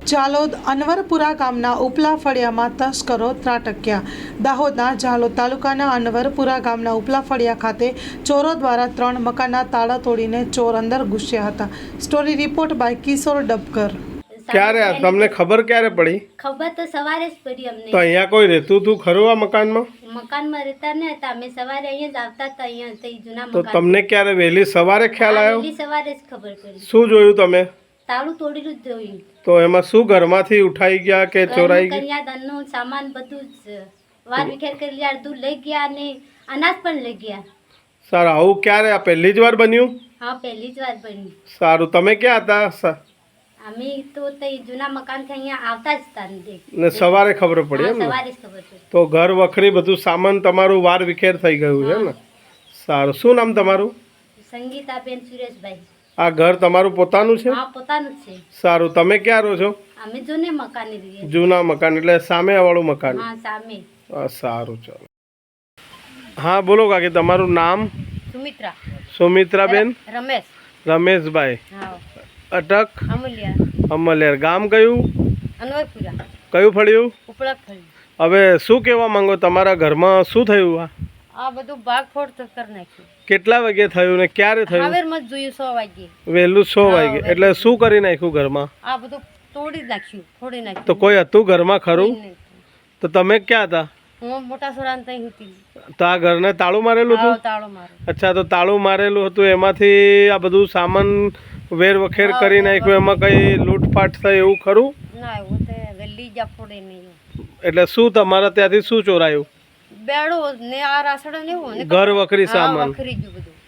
ઝાલોદ અનવરપુરા ગામના ઉપલા ફળિયામાં તસ્કરો ત્રાટક્યા। દાહોદના ઝાલોદ તાલુકાના અનવરપુરા ગામના ઉપલા ફળિયા ખાતે ચોરો દ્વારા 3 મકાનના તાળા તોડીને ચોર અંદર ઘૂસ્યા હતા। Story report by Kishor Dabkar. ક્યારે તમને ખબર ક્યારે પડી? ખબર તો સવારે જ પડી અમને। તો અહીંયા કોઈ રહેતું તું ખરું આ મકાનમાં? મકાનમાં રહેતા ને હતા, અમે સવારે અહીંયા જ આવતા હતા, અહીંયા તે જૂના તો મકાન। તમને ક્યારે વહેલી સવારે ખ્યાલ આવ્યો? વહેલી સવારે જ ખબર પડી। શું જોયું તમે? તાળું તોડેલું જ જોયું। તો એમાં શું ઘરમાંથી ઉઠાઈ ગયા કે ચોરાઈ ગયા? કન્યાદાનનું સામાન બધું જ વાર વિખેર કરી લીધા, અડધું લઈ ગયા અને અનાજ પણ લઈ ગયા। સારું, આવું ક્યારે આ પહેલી જ વાર બન્યું? હા, પહેલી જ વાર બની। સારું, તમે ક્યાં હતા? અમે તો તે જૂના મકાનથી અહીંયા આવતા જ હતા ને સવારે ખબર પડી એમ ને? સવારે જ ખબર પડી। તો ઘર વખરી બધું સામાન તમારું વાર વિખેર થઈ ગયું છે ને? સારું, શું નામ તમારું? સંગીતાબેન સુરેશભાઈ। આ ઘર તમારું પોતાનું છે? હા, પોતાનું જ છે। સારું, તમે ક્યાં રહો છો? અમે જૂને મકાને રહીએ। જૂના મકાન એટલે સામે વાળું મકાન? હા, સામે। સારું, ચાલો। હા, બોલો કાકી, તમારું નામ? સુમિત્રા। સુમિત્રાબેન? રમેશ। રમેશભાઈ। હા। અટક? અમલિયા। અમલિયાર। ગામ કયું? અનવરપુરા। કયું ફળ્યું? ઉપલા ફળી। હવે શું કહેવા માંગો, તમારા ઘરમાં શું થયું? આ બધું ભાગફોડ તો કરી નાખ્યું। કેટલા વાગે થયું ને ક્યારે થયું? હાવેરમાં જ જોયું 6 વાગે। વહેલું 6 વાગે એટલે શું કરી નાખ્યું ઘરમાં? આ બધું તોડી નાખ્યું, ફોડી નાખ્યું। તો કોઈ હતું ઘરમાં ખરું? તો તમે ક્યાં હતા? હું મોટા સોરાન તઈ હતી। તો આ ઘરને તાળું મારેલું હતું? તાળો મારો। અચ્છા, તો તાળું મારેલું હતું, એમાંથી આ બધું સામાન વેર વખેર કરી નાખ્યું, એમાં કઈ લૂંટફાટ થઈ એવું ખરું? ના, એવું તે વેલી જા ફોડે નહીં। એટલે શું તમારા ત્યાંથી શું ચોરાયું? બેડો ને આ રાસડો ને એવું ને ઘર વખરી સામાન વખરી ગયું બધું।